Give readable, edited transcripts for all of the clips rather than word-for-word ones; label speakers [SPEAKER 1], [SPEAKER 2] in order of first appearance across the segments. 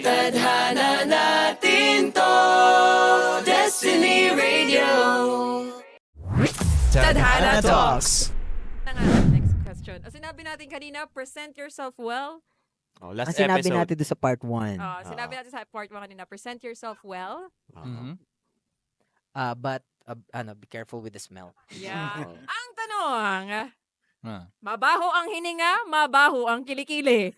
[SPEAKER 1] Tadhana natin to, Destiny Radio.
[SPEAKER 2] Tadhana Talks.
[SPEAKER 3] Next question. Sinabi natin kanina, present yourself well.
[SPEAKER 2] Oh, last
[SPEAKER 4] Ang sinabi
[SPEAKER 2] episode.
[SPEAKER 4] natin doon sa part 1.
[SPEAKER 3] Sinabi natin sa part 1 kanina, present yourself well.
[SPEAKER 4] But, be careful with the smell.
[SPEAKER 3] Yeah. Ang tanong, mabaho ang hininga, mabaho ang kilikili.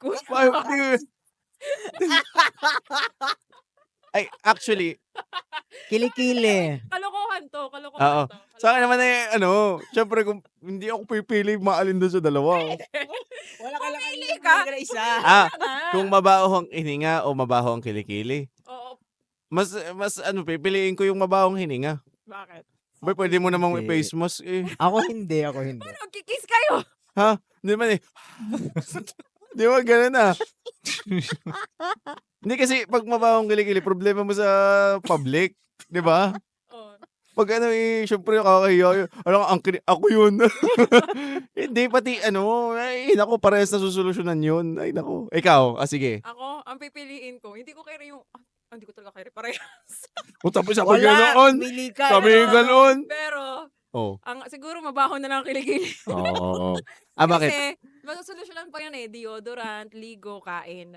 [SPEAKER 2] Ay, actually,
[SPEAKER 4] Kilikili.
[SPEAKER 3] Kalokohan to.
[SPEAKER 2] oo. Sa akin naman syempre kung hindi ako pipili, maalin doon sa dalawa.
[SPEAKER 4] Wala ka lang
[SPEAKER 3] Pumili ka.
[SPEAKER 4] isa.
[SPEAKER 2] Kung mabaho ang hininga o mabaho ang kilikili.
[SPEAKER 3] Oo.
[SPEAKER 2] Mas pipiliin ko yung mabahong hininga.
[SPEAKER 3] Bakit?
[SPEAKER 2] Boy, pwede mo namang may
[SPEAKER 4] Hindi.
[SPEAKER 2] face mask eh.
[SPEAKER 4] Ako hindi.
[SPEAKER 3] Paano, kikis kayo?
[SPEAKER 2] Hindi man eh. Di ba ganun ah. Hindi kasi pag mabahong kilikili, problema mo sa public. Di ba?
[SPEAKER 3] Oh.
[SPEAKER 2] Pag syempre nakakahiya. Ako yun. Hindi, pati ay naku, parehas na susolusyonan yun. Ay naku. Ikaw, sige.
[SPEAKER 3] Ako, ang pipiliin ko, hindi ko kaya yung, hindi ko talaga kaya parehas.
[SPEAKER 2] O tapos ako
[SPEAKER 4] Wala.
[SPEAKER 2] ganoon.
[SPEAKER 4] Pili ka.
[SPEAKER 2] Kami ganoon.
[SPEAKER 3] Pero,
[SPEAKER 2] Oh.
[SPEAKER 3] siguro mabaho na lang ang kilikili.
[SPEAKER 2] Oo. Bakit?
[SPEAKER 3] Kasi, masosolusyonan pa yun deodorant, ligo, kain.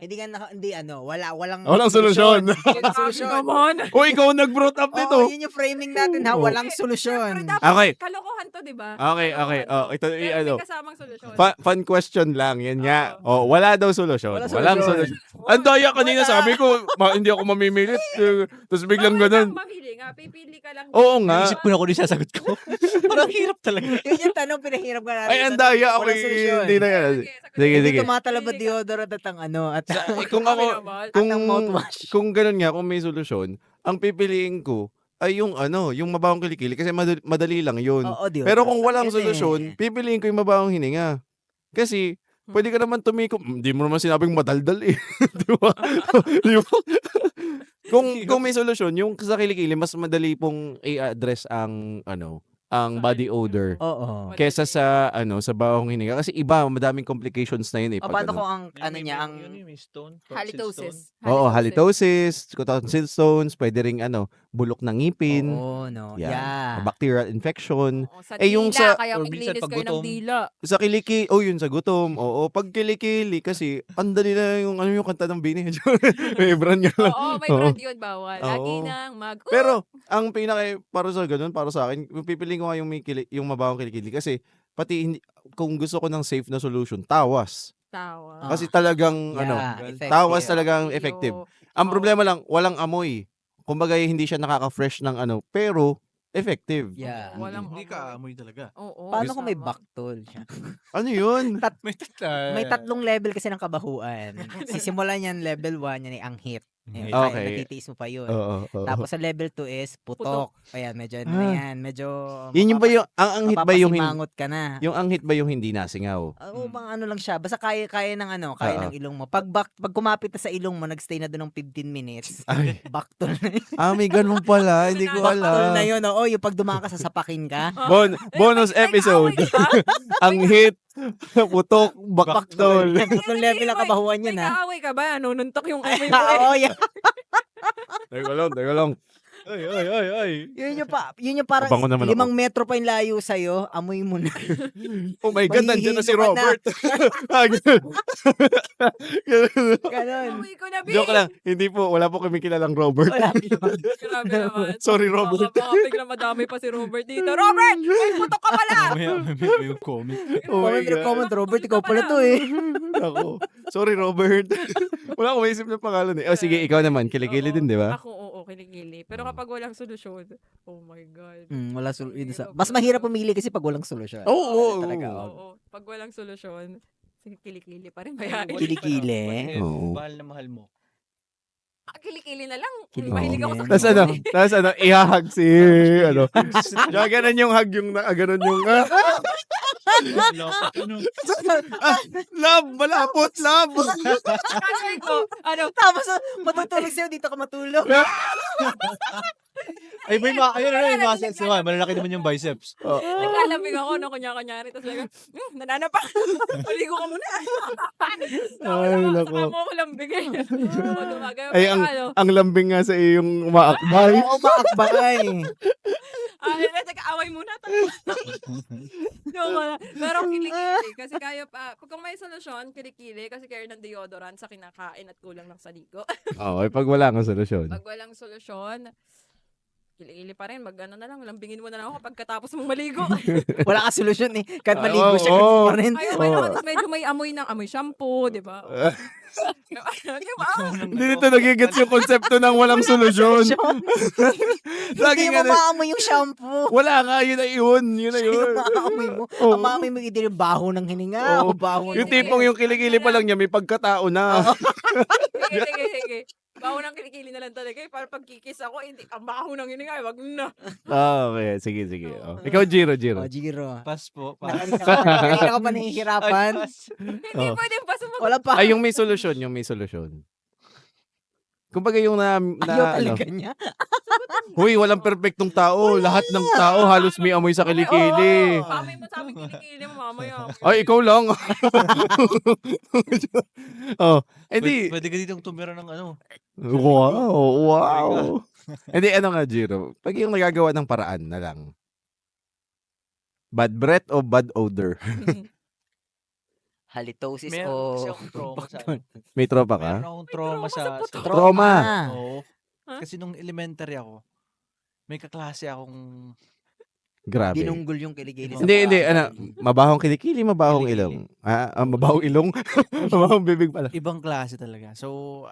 [SPEAKER 4] Walang solusyon.
[SPEAKER 2] Walang solusyon.
[SPEAKER 3] Naman.
[SPEAKER 2] O ikaw nag-brought up nito.
[SPEAKER 4] Yun yung framing natin ha.
[SPEAKER 2] Oo.
[SPEAKER 4] Walang
[SPEAKER 3] Pero
[SPEAKER 4] solusyon.
[SPEAKER 3] dapat,
[SPEAKER 2] Okay.
[SPEAKER 3] kalokohan to, di ba?
[SPEAKER 2] Okay.
[SPEAKER 3] Kalokohan
[SPEAKER 2] Ito,
[SPEAKER 3] to. Pero may kasamang solusyon.
[SPEAKER 2] Fun question lang. Yan nga. Wala daw solusyon. Walang solusyon. Ang daya kanina sabi ko, hindi ako mamimilit. Tapos biglang ganun.
[SPEAKER 3] Mamili nga, pipili ka lang.
[SPEAKER 2] Oo nga.
[SPEAKER 5] Naisip ko na kung sasagot ko. Parang hirap talaga.
[SPEAKER 4] Yun yung tanong, pinahirap ka natin.
[SPEAKER 2] Ay, ang daya. Okay,
[SPEAKER 4] Walang solusyon.
[SPEAKER 2] hindi na yan. Sige,
[SPEAKER 4] Hindi
[SPEAKER 2] sige.
[SPEAKER 4] tumatalab deodorant at ang at
[SPEAKER 2] Kung ako, kung,
[SPEAKER 4] ang mouthwash.
[SPEAKER 2] kung ganun nga, kung may solusyon, ang pipiliin ko ay yung yung mabahong kilikili kasi madali lang yun.
[SPEAKER 4] Oo, deodorant.
[SPEAKER 2] Pero kung walang
[SPEAKER 4] Yun eh.
[SPEAKER 2] solusyon, pipiliin ko yung mabahong hininga. Kasi, pwede ka naman tumikom. Hindi mo naman sinabing madaldal eh. Di ba? Di ba? kung may solusyon, yung sa kilikili, mas madali pong i-address ang body odor.
[SPEAKER 4] Oo.
[SPEAKER 2] Kesa sa sa bawang hininga kasi iba madaming complications na yun eh.
[SPEAKER 4] O,
[SPEAKER 2] pag
[SPEAKER 4] paano kung ang niya, ang
[SPEAKER 3] Halitosis.
[SPEAKER 2] Oo, halitosis, tonsil stones, pwede ring bulok ng ngipin.
[SPEAKER 4] Oo, no.
[SPEAKER 2] Yan.
[SPEAKER 4] Yeah.
[SPEAKER 2] Bacterial infection.
[SPEAKER 3] Oo, sa
[SPEAKER 2] Yung
[SPEAKER 3] dila,
[SPEAKER 2] sa-
[SPEAKER 3] kaya
[SPEAKER 5] or minsan
[SPEAKER 3] maglinis
[SPEAKER 5] pag
[SPEAKER 3] kayo ng
[SPEAKER 5] gutom.
[SPEAKER 3] dila.
[SPEAKER 2] Sa yun sa gutom. Oo, pag kilikili kasi ang dali na yung yung kanta ng Bini. May brand nga lang.
[SPEAKER 3] Oo, may brand yun, bawal. Lagi
[SPEAKER 2] Oo.
[SPEAKER 3] nang
[SPEAKER 2] Pero ang para sa akin, pipiliin ko nga yung mabawang kilikili kasi pati kung gusto ko ng safe na solution, tawas.
[SPEAKER 3] tawa.
[SPEAKER 2] Kasi talagang
[SPEAKER 4] effective.
[SPEAKER 2] tawas talagang effective. Ang
[SPEAKER 3] Oo.
[SPEAKER 2] problema lang, walang amoy. Kumbaga hindi siya nakaka-fresh ng pero effective.
[SPEAKER 4] Yeah.
[SPEAKER 3] Walang
[SPEAKER 5] Hindi ka amoy talaga.
[SPEAKER 3] Oo.
[SPEAKER 4] Paano kung may
[SPEAKER 3] tama.
[SPEAKER 4] baktol siya?
[SPEAKER 2] Ano yun?
[SPEAKER 5] May tatla.
[SPEAKER 4] May 3 level kasi ng kabahuan. Sisimulan yan level 1, yan ay anghit. Ayan,
[SPEAKER 2] Okay.
[SPEAKER 4] kaya natitiis mo pa yun.
[SPEAKER 2] Oo.
[SPEAKER 4] Tapos sa level 2 is putok. Ayan, medyo medyo
[SPEAKER 2] Yun yung ba yung, ang anghit ba yung,
[SPEAKER 4] mapapasimangot ka na.
[SPEAKER 2] yung anghit ba yung hindi nasingaw?
[SPEAKER 4] Oo, mga lang siya. Basta kaya ng kaya
[SPEAKER 2] Oo.
[SPEAKER 4] ng ilong mo. Pag kumapit na sa ilong mo, nagstay na doon ng 15 minutes.
[SPEAKER 2] Ay,
[SPEAKER 4] Baktol na yun.
[SPEAKER 2] may ganun pala. Hindi ko
[SPEAKER 4] Baktol
[SPEAKER 2] alam.
[SPEAKER 4] na yun. Oo, yung pag dumaan ka, sasapakin ka.
[SPEAKER 2] Bonus episode. Anghit, putok, baktol.
[SPEAKER 4] Tatlong level ang kabahuan
[SPEAKER 3] May
[SPEAKER 4] yan, ha?
[SPEAKER 3] kaaway ka ba? Nununtok yung amoy mo eh.
[SPEAKER 4] Oo, yan.
[SPEAKER 2] Teka lang.
[SPEAKER 5] Ay.
[SPEAKER 4] Yun yung parang
[SPEAKER 2] Kabango naman
[SPEAKER 4] 5 metro pa yung layo sa'yo, amoy mo na.
[SPEAKER 2] Oh my God, nandiyan na si
[SPEAKER 4] Mahihilo ka na.
[SPEAKER 2] Robert. Ganun.
[SPEAKER 4] Ganon.
[SPEAKER 3] Amoy ko na, B.
[SPEAKER 2] Joke lang. Hindi po, wala po kami kilalang Robert.
[SPEAKER 4] Wala.
[SPEAKER 3] Grabe naman.
[SPEAKER 2] Sorry, Robert.
[SPEAKER 3] Baka biglang madami pa si Robert dito. Robert! May putok ka pala!
[SPEAKER 5] May comment.
[SPEAKER 2] Oh my God.
[SPEAKER 4] Comment, Robert, ikaw pala to eh.
[SPEAKER 2] Ako. Sorry, Robert. Wala akong maisip ng pangalan eh. Oh, sige, ikaw naman. Kilikili din, di ba?
[SPEAKER 3] Ako, oo, kiligili. Pero kapag walang solusyon, oh my God.
[SPEAKER 4] Wala mas mahirap pumili kasi pag walang solusyon.
[SPEAKER 2] Oo.
[SPEAKER 4] Talaga,
[SPEAKER 3] Oo. Pag walang solusyon, sige, kilikili pa rin kaya.
[SPEAKER 4] Kilikili.
[SPEAKER 2] Oo.
[SPEAKER 5] Mahal na mahal mo.
[SPEAKER 3] Kilikili na lang.
[SPEAKER 4] Kilikili.
[SPEAKER 3] Mahilig ako sa
[SPEAKER 2] Tapos ihahag si, Kaya ganun yung hug yung, ganun yung, love, malapot, love.
[SPEAKER 3] Sabi ko,
[SPEAKER 4] Tapos matutulog sa'yo, dito ka matulog.
[SPEAKER 5] Ay, may ayun, muscles naman. Malalaki naman yung biceps.
[SPEAKER 3] Naglalambing ako no, kunya-kunyari. Tapos like, nananapak. Maligo ka muna.
[SPEAKER 2] Ay, nako.
[SPEAKER 3] Saka mo ako lambigay.
[SPEAKER 2] Ay, ang lambing nga sa iyong umaakbay.
[SPEAKER 4] Oo, maakbay.
[SPEAKER 3] Teka, away muna. Pero kilikili. Kasi kaya pa, kung may solusyon, kilikili. Kasi kaya ng deodorant sa kinakain at kulang ng saligo.
[SPEAKER 2] Oo, pag wala kang solusyon.
[SPEAKER 3] Pag walang solusyon, kilikili pa rin. Mag-ano na lang, lambingin mo na lang ako pagkatapos mong maligo.
[SPEAKER 4] Wala ka solusyon eh. Kahit
[SPEAKER 2] Ay,
[SPEAKER 4] maligo siya,
[SPEAKER 2] oo.
[SPEAKER 4] ganun pa rin.
[SPEAKER 3] Ay, okay naman. Tapos medyo may amoy ng amoy shampoo, di ba? Di ba?
[SPEAKER 2] Hindi nito nagigets yung konsepto ng walang solusyon.
[SPEAKER 4] Hindi
[SPEAKER 2] Laging
[SPEAKER 4] mo
[SPEAKER 2] ano,
[SPEAKER 4] maamoy yung shampoo.
[SPEAKER 2] wala nga, yun na yun. Yun na
[SPEAKER 4] Yung
[SPEAKER 2] yun.
[SPEAKER 4] maamoy mo.
[SPEAKER 2] Oo.
[SPEAKER 4] Ang maamoy mo hindi yung baho ng hininga.
[SPEAKER 2] Oo.
[SPEAKER 4] O baho
[SPEAKER 2] Yung
[SPEAKER 4] ng...
[SPEAKER 2] tipong yung kilikili pa lang niya, may pagkatao na.
[SPEAKER 3] Sige. Baho ng kilikili na lang talaga. Para pag kikis ako, hindi, ang baho ng hininga. Wag na.
[SPEAKER 2] Okay, sige. Oh. Ikaw, Jiro.
[SPEAKER 4] O, Jiro.
[SPEAKER 5] Pass po.
[SPEAKER 4] Kanina ka pa nahihirapan.
[SPEAKER 3] Hindi
[SPEAKER 2] Oh.
[SPEAKER 3] pwede pa sumagot.
[SPEAKER 4] Wala pa.
[SPEAKER 2] Ay, yung may solusyon. Kumbaga yung
[SPEAKER 4] Ayaw
[SPEAKER 2] ano,
[SPEAKER 4] talaga niya.
[SPEAKER 2] huy, walang perfectong tao. Lahat ng tao halos may amoy sa kilikili.
[SPEAKER 3] Oo. Pamoy mo sa amin kilikili mo mamaya.
[SPEAKER 2] Ay, ikaw lang. Oh, edi.
[SPEAKER 5] Pwede ka ditong tumira ng ano.
[SPEAKER 2] Wow. Hindi, ano nga, Jiro? Pag yung nagagawa ng paraan na lang. Bad breath o bad odor?
[SPEAKER 4] Halitosis
[SPEAKER 5] Meron kasi
[SPEAKER 4] o...
[SPEAKER 5] akong trauma sa
[SPEAKER 2] May tropa ka?
[SPEAKER 5] Meron akong trauma sa
[SPEAKER 2] Trauma.
[SPEAKER 5] Oo.
[SPEAKER 3] Huh?
[SPEAKER 5] Kasi nung elementary ako, may kaklase akong
[SPEAKER 2] Grabe.
[SPEAKER 4] Binunggol yung kiligili.
[SPEAKER 2] Hindi, ano, mabahong kilikili, mabahong
[SPEAKER 5] Kilikili.
[SPEAKER 2] ilong. Mabahong ilong? Mabahong bibig pala.
[SPEAKER 5] ibang klase talaga. So,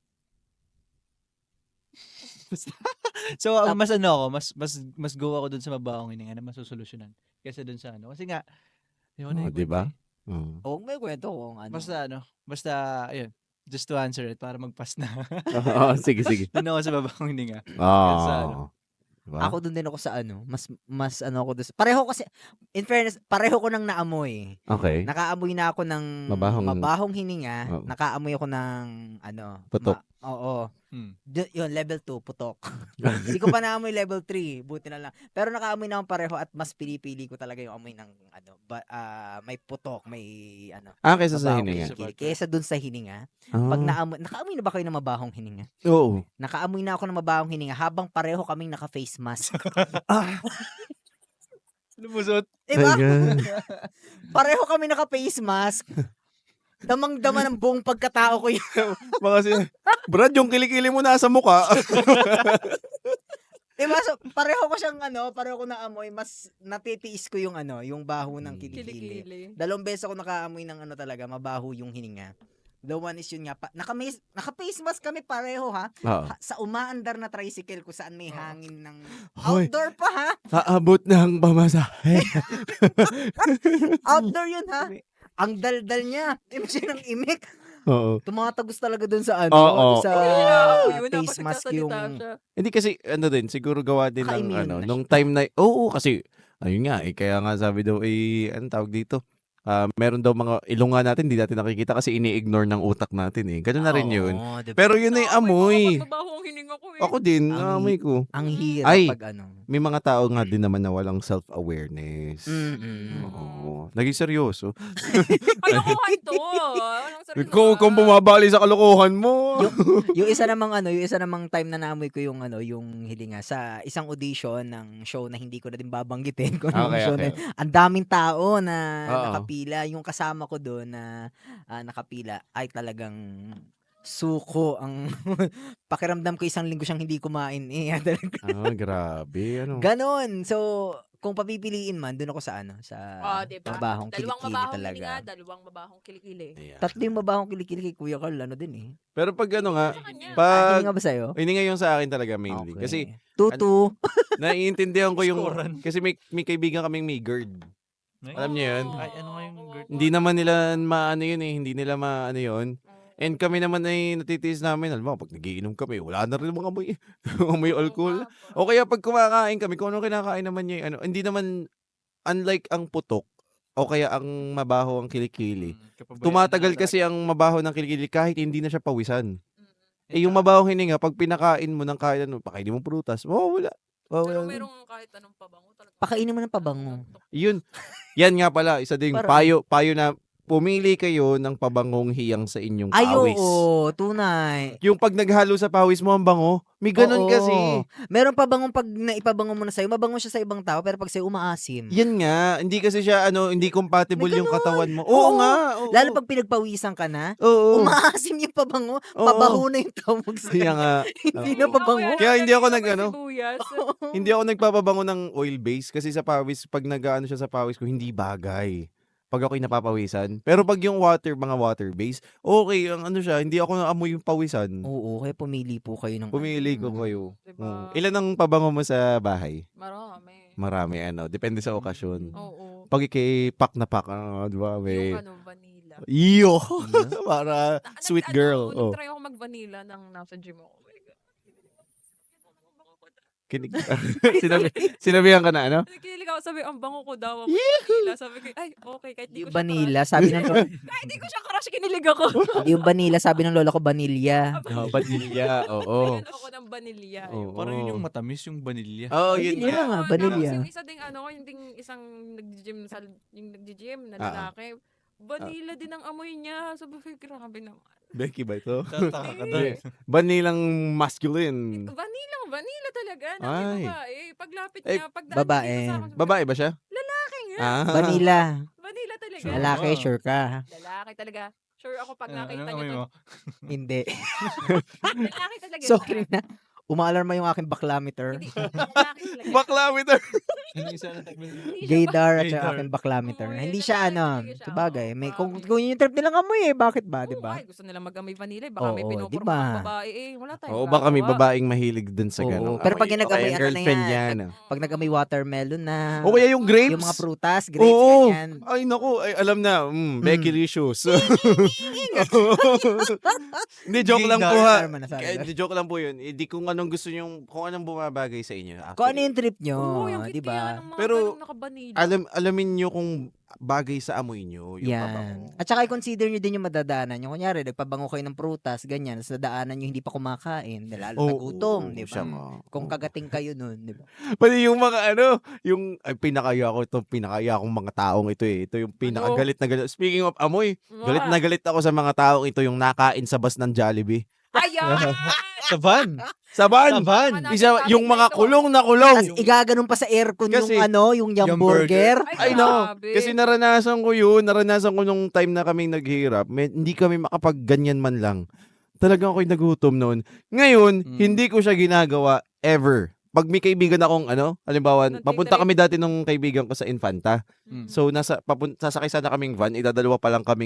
[SPEAKER 5] ang mas ano ako, mas go ako dun sa mabahong hininga na masusolusyonan kaysa dun sa ano. Kasi nga, yun
[SPEAKER 2] Oh, di ba?
[SPEAKER 4] Huwag may kwento kung ano.
[SPEAKER 5] Basta, ayun, just to answer it, para mag-pass na.
[SPEAKER 2] Sige.
[SPEAKER 5] Dun ako sa mabahong hininga. Sa ano.
[SPEAKER 2] Diba?
[SPEAKER 4] Ako dun din ako sa ano, mas ano ako dun. Pareho kasi, in fairness, pareho ko nang naamoy.
[SPEAKER 2] Okay.
[SPEAKER 4] Nakaamoy na ako ng mabahong hininga.
[SPEAKER 2] Oo.
[SPEAKER 4] Nakaamoy ako ng ano.
[SPEAKER 2] Putok.
[SPEAKER 4] Oo.
[SPEAKER 5] Hmm.
[SPEAKER 4] Yun, level 2, putok. Hindi ko pa naamoy level 3. Buti na lang. Pero nakaamoy na akong pareho at mas pinipili ko talaga yung amoy ng ano, may putok, may ano.
[SPEAKER 2] Kaysa sa
[SPEAKER 4] mabahong
[SPEAKER 2] hininga.
[SPEAKER 4] kilikili. Kaysa dun sa hininga.
[SPEAKER 2] Ah.
[SPEAKER 4] Pag nakaamoy na ba kayo ng mabahong hininga?
[SPEAKER 2] Oo.
[SPEAKER 4] Nakaamoy na ako ng mabahong hininga habang pareho kaming naka-face mask.
[SPEAKER 5] Lumusot.
[SPEAKER 4] Diba?
[SPEAKER 2] My God.
[SPEAKER 4] Pareho kami naka-face mask. Damang-dama ng buong pagkatao ko yun.
[SPEAKER 2] Baka Brad, yung kilikili mo nasa mukha.
[SPEAKER 4] Diba? So, pareho ko siyang pareho ko naamoy, mas natitiis ko yung yung baho ng kilikili.
[SPEAKER 3] Kilikili.
[SPEAKER 4] Dalawang beses ako nakaamoy ng talaga, mabaho yung hininga. The one is yun nga, naka-face mask kami pareho ha.
[SPEAKER 2] Oo.
[SPEAKER 4] Sa umaandar na tricycle ko saan may hangin ng
[SPEAKER 2] Hoy.
[SPEAKER 4] outdoor pa ha.
[SPEAKER 2] Aabot ng pamasahe.
[SPEAKER 4] Outdoor yun ha. Ang daldal niya. Imagine ng imik.
[SPEAKER 2] Oo.
[SPEAKER 4] Tumatagos talaga dun sa
[SPEAKER 2] Oo.
[SPEAKER 4] sa
[SPEAKER 3] Yun,
[SPEAKER 4] face
[SPEAKER 3] dapat
[SPEAKER 4] mask yung...
[SPEAKER 3] nagsasalita siya.
[SPEAKER 2] Hindi kasi, din, siguro gawa din ng,
[SPEAKER 4] Naka-immune na
[SPEAKER 2] nung time na, oo, kasi, ayun nga, kaya nga sabi daw, anong tawag dito? Meron daw mga ilong nga natin, hindi natin nakikita kasi ini-ignore ng utak natin eh. Ganun na rin yun.
[SPEAKER 4] Oo, diba?
[SPEAKER 2] Pero yun ay amoy.
[SPEAKER 3] Mabaho ang hininga ko eh.
[SPEAKER 2] Ako din,
[SPEAKER 4] Ang
[SPEAKER 2] naamoy ko.
[SPEAKER 4] Ang hirap
[SPEAKER 2] Ay.
[SPEAKER 4] pag
[SPEAKER 2] May mga tao nga din naman na walang self-awareness.
[SPEAKER 4] Mm-mm.
[SPEAKER 2] Oo. Naging seryoso.
[SPEAKER 3] Kalokohan to. Anong seryoso
[SPEAKER 2] Kung
[SPEAKER 3] ka?
[SPEAKER 2] bumabali sa kalokohan mo.
[SPEAKER 4] Yung isa namang time na naamoy ko yung yung hilinga sa isang audition ng show na hindi ko na din babanggitin kung anong show na. Ang daming tao na
[SPEAKER 2] Oo.
[SPEAKER 4] nakapila, yung kasama ko doon na nakapila ay talagang suko ang pakiramdam ko isang linggo siyang hindi kumain
[SPEAKER 2] Grabe. Ano?
[SPEAKER 4] Ganon. So, kung papipiliin man, doon ako sa sa
[SPEAKER 3] Diba?
[SPEAKER 4] mabahong
[SPEAKER 3] Dalawang
[SPEAKER 4] kilikili
[SPEAKER 3] mabahong
[SPEAKER 4] talaga.
[SPEAKER 3] hininga, dalawang mabahong kilikili.
[SPEAKER 2] Ayan.
[SPEAKER 4] Tatlo yung mabahong kilikili kay Kuya Carl, din eh.
[SPEAKER 2] Pero pag ano nga,
[SPEAKER 3] Sa kanya.
[SPEAKER 2] pag,
[SPEAKER 4] Hininga ba sa'yo?
[SPEAKER 2] hindi nga yung sa akin talaga mainly.
[SPEAKER 4] Okay.
[SPEAKER 2] Kasi,
[SPEAKER 4] Tutu.
[SPEAKER 2] naiintindihan ko yung,
[SPEAKER 5] Scorean.
[SPEAKER 2] kasi may kaibigan kaming may GERD. Alam niyo yun?
[SPEAKER 5] Ay, ano nga yung GERD?
[SPEAKER 2] Hindi naman nila maano yun eh. Hindi nila maano yun. And kami naman ay natitiis namin. Alam mo, pag nagiinom kami, wala na rin mga amoy. Amoy alcohol. O kaya pag kumakain kami, kung ano kinakain naman niya, hindi naman, unlike ang putok, o kaya ang mabaho ang kilikili. Tumatagal kasi ang mabaho ng kilikili kahit hindi na siya pawisan. Eh, yung mabahong hininga, pag pinakain mo ng kain, pakainin mo prutas, mawawala.
[SPEAKER 3] Pero
[SPEAKER 2] Mawawala.
[SPEAKER 3] merong kahit anong pabango talaga.
[SPEAKER 4] Pakainin mo ng pabango.
[SPEAKER 2] Yun. Yan nga pala, isa ding
[SPEAKER 4] Parang-
[SPEAKER 2] payo na pumili kayo ng pabangong hiyang sa inyong
[SPEAKER 4] Ay,
[SPEAKER 2] pawis.
[SPEAKER 4] oo, tunay.
[SPEAKER 2] Yung pag naghalo sa pawis mo ang bango, may ganun
[SPEAKER 4] Oo.
[SPEAKER 2] kasi.
[SPEAKER 4] Meron pabangong pag naipabango mo na sa'yo, mabango siya sa ibang tao, pero pag sa'yo umaasim.
[SPEAKER 2] Yan nga, hindi kasi siya hindi compatible
[SPEAKER 4] May
[SPEAKER 2] yung
[SPEAKER 4] ganun.
[SPEAKER 2] katawan mo. Oo
[SPEAKER 4] Oo.
[SPEAKER 2] nga. Oo.
[SPEAKER 4] Lalo pag pinagpawisan ka na,
[SPEAKER 2] Oo.
[SPEAKER 4] umaasim yung pabango,
[SPEAKER 2] Oo.
[SPEAKER 4] pabaho na yung tawag sa'yo.
[SPEAKER 2] Kaya nga.
[SPEAKER 4] Hindi
[SPEAKER 2] Oo.
[SPEAKER 4] na pabango.
[SPEAKER 2] Kaya hindi ako
[SPEAKER 3] Nalagyan
[SPEAKER 2] nag-ano.
[SPEAKER 3] ng sibuyas.
[SPEAKER 2] Hindi ako nagpapabango ng oil base kasi sa pawis, pag nag-ano siya sa pawis ko, hindi bagay. Pag ako'y napapawisan. Pero pag yung mga water base, okay, ang ano siya, hindi ako naamoy yung pawisan.
[SPEAKER 4] Oo, kaya pumili po kayo ng
[SPEAKER 2] Pumili ko kayo.
[SPEAKER 3] Diba?
[SPEAKER 2] Oo. Ilan ang pabango mo sa bahay?
[SPEAKER 3] Marami.
[SPEAKER 2] Marami, depende sa okasyon.
[SPEAKER 3] Oo.
[SPEAKER 2] Pag ikay pak na pak, di ba?
[SPEAKER 3] Yung vanilla.
[SPEAKER 2] Iyo! Para sweet
[SPEAKER 3] Nag-
[SPEAKER 2] girl. Oh.
[SPEAKER 3] Nag-try ako mag-vanilla nang nasa gym ako. Oh my God.
[SPEAKER 2] Kinig. Sinabihan ka na, ano?
[SPEAKER 3] Kinilig ako, sabi, ang bango ko daw. Ako vanilla. Sabi ko, ay, okay, kahit di ko
[SPEAKER 4] Yung
[SPEAKER 3] siya
[SPEAKER 4] vanilla, sabi ng
[SPEAKER 3] crush. Kahit di ko siya crush, kinilig ako.
[SPEAKER 4] yung vanilla, sabi ng lola ko, vanilla.
[SPEAKER 2] Vanilla, oo.
[SPEAKER 3] Ayun ako ng vanilla.
[SPEAKER 2] Oo.
[SPEAKER 5] Parang yun yung matamis, yung vanilya.
[SPEAKER 2] Oh, yun
[SPEAKER 4] Vanilla
[SPEAKER 2] nga.
[SPEAKER 4] nga,
[SPEAKER 3] Oo,
[SPEAKER 4] vanilla.
[SPEAKER 3] Tapos yung isa ding yung ding isang nag-gym na lalaki. Vanilla din ang amoy niya. Sabi ko, grabe naman.
[SPEAKER 2] Becky ba ito?
[SPEAKER 5] Tataka ka doon.
[SPEAKER 2] Banilang masculine.
[SPEAKER 3] Vanilla talaga.
[SPEAKER 2] Ay.
[SPEAKER 3] Ay. Babae. Paglapit
[SPEAKER 2] Eh,
[SPEAKER 3] niya, pagdaan
[SPEAKER 4] babae.
[SPEAKER 3] niya dito sa akin, sabi ko,
[SPEAKER 2] Babae ba siya?
[SPEAKER 3] Lalaki nga.
[SPEAKER 4] Vanilla.
[SPEAKER 3] Vanilla talaga.
[SPEAKER 5] Sure.
[SPEAKER 4] Lalaki,
[SPEAKER 5] Wow.
[SPEAKER 4] sure ka.
[SPEAKER 3] Lalaki talaga. Sure ako pag nakita
[SPEAKER 5] Anong
[SPEAKER 3] niyo
[SPEAKER 5] amoy
[SPEAKER 3] to.
[SPEAKER 5] mo?
[SPEAKER 4] Hindi.
[SPEAKER 3] Lalaki talaga.
[SPEAKER 4] Sorry na. Umaalarma yung aking baklameter.
[SPEAKER 3] Hindi. Lalaki talaga.
[SPEAKER 2] Baklameter.
[SPEAKER 5] Ano yung isa na tagmin?
[SPEAKER 3] Hindi siya
[SPEAKER 4] Gaydar at saka
[SPEAKER 5] Gaydar.
[SPEAKER 4] aking baklameter.
[SPEAKER 3] Oo,
[SPEAKER 4] Hindi
[SPEAKER 3] yun,
[SPEAKER 4] siya
[SPEAKER 3] talaga siya.
[SPEAKER 4] sabagay. May,
[SPEAKER 3] Oo,
[SPEAKER 4] kung,
[SPEAKER 3] promise.
[SPEAKER 4] kung yun yung trip nilang amoy bakit ba,
[SPEAKER 3] Oo,
[SPEAKER 4] di ba?
[SPEAKER 3] ay, gusto nila mag-amoy vanilla. Baka may
[SPEAKER 4] Oo,
[SPEAKER 3] pinupuro
[SPEAKER 4] diba?
[SPEAKER 3] mga babae. Wala tayong
[SPEAKER 2] Oo, baka may
[SPEAKER 3] magagawa.
[SPEAKER 2] babaeng mahilig dun sa
[SPEAKER 4] Oo,
[SPEAKER 2] gano'n.
[SPEAKER 4] pero pag
[SPEAKER 2] Amoy,
[SPEAKER 4] ginagamoy,
[SPEAKER 2] okay,
[SPEAKER 4] ano na
[SPEAKER 2] girlfriend
[SPEAKER 4] yan?
[SPEAKER 2] yan.
[SPEAKER 4] Pag nag-amoy watermelon na,
[SPEAKER 2] O kaya yung grapes.
[SPEAKER 4] yung mga prutas, grapes,
[SPEAKER 2] Oo.
[SPEAKER 4] ganyan.
[SPEAKER 2] Ay, naku. Ay, alam na. Becky Licious. Hindi, joke lang po ha.
[SPEAKER 4] Alarma na sabi
[SPEAKER 2] Kaya,
[SPEAKER 4] ko.
[SPEAKER 2] di joke lang po yun. Hindi kung anong gusto nyo, kung anong bumabagay sa inyo.
[SPEAKER 4] Kung ano
[SPEAKER 2] Actually.
[SPEAKER 4] yung trip nyo,
[SPEAKER 3] Oo, yung
[SPEAKER 4] di ba?
[SPEAKER 3] ng mga
[SPEAKER 2] Pero,
[SPEAKER 3] ganong nakabanila.
[SPEAKER 2] Alamin nyo kung bagay sa amoy nyo. Yung
[SPEAKER 4] Yan.
[SPEAKER 2] pabango.
[SPEAKER 4] At saka i-consider nyo din yung madadaanan nyo. Kunyari, nagpabango kayo ng prutas, ganyan, sa daanan nyo hindi pa kumakain, lalo
[SPEAKER 2] Oo,
[SPEAKER 4] nagutom, di
[SPEAKER 2] siya
[SPEAKER 4] ba?
[SPEAKER 2] nga.
[SPEAKER 4] Kung
[SPEAKER 2] Oo.
[SPEAKER 4] kagating kayo nun, di ba?
[SPEAKER 2] Pati yung mga pinakaya akong mga taong ito eh. Ito yung pinakagalit na galit. Speaking of amoy, galit na galit ako sa mga taong ito yung nakain sa bus ng Jollibee.
[SPEAKER 3] Ayan!
[SPEAKER 5] Sa van.
[SPEAKER 2] Sa van!
[SPEAKER 5] Sa van.
[SPEAKER 2] Yung mga kulong na kulong.
[SPEAKER 4] Tapos igaganon pa sa aircon
[SPEAKER 2] Kasi-
[SPEAKER 4] yung yum burger.
[SPEAKER 2] Ay, no. Kasi naranasan ko yun. Naranasan ko nung time na kaming naghihirap. Hindi kami makapagganyan man lang. Talagang ako'y nagutom noon. Ngayon, hindi ko siya ginagawa ever. Pag may kaibigan akong halimbawa,
[SPEAKER 3] Nagtitrip.
[SPEAKER 2] papunta kami dati nung kaibigan ko sa Infanta.
[SPEAKER 5] Mm.
[SPEAKER 2] So, sasakay sana kaming van, dadalawa pa lang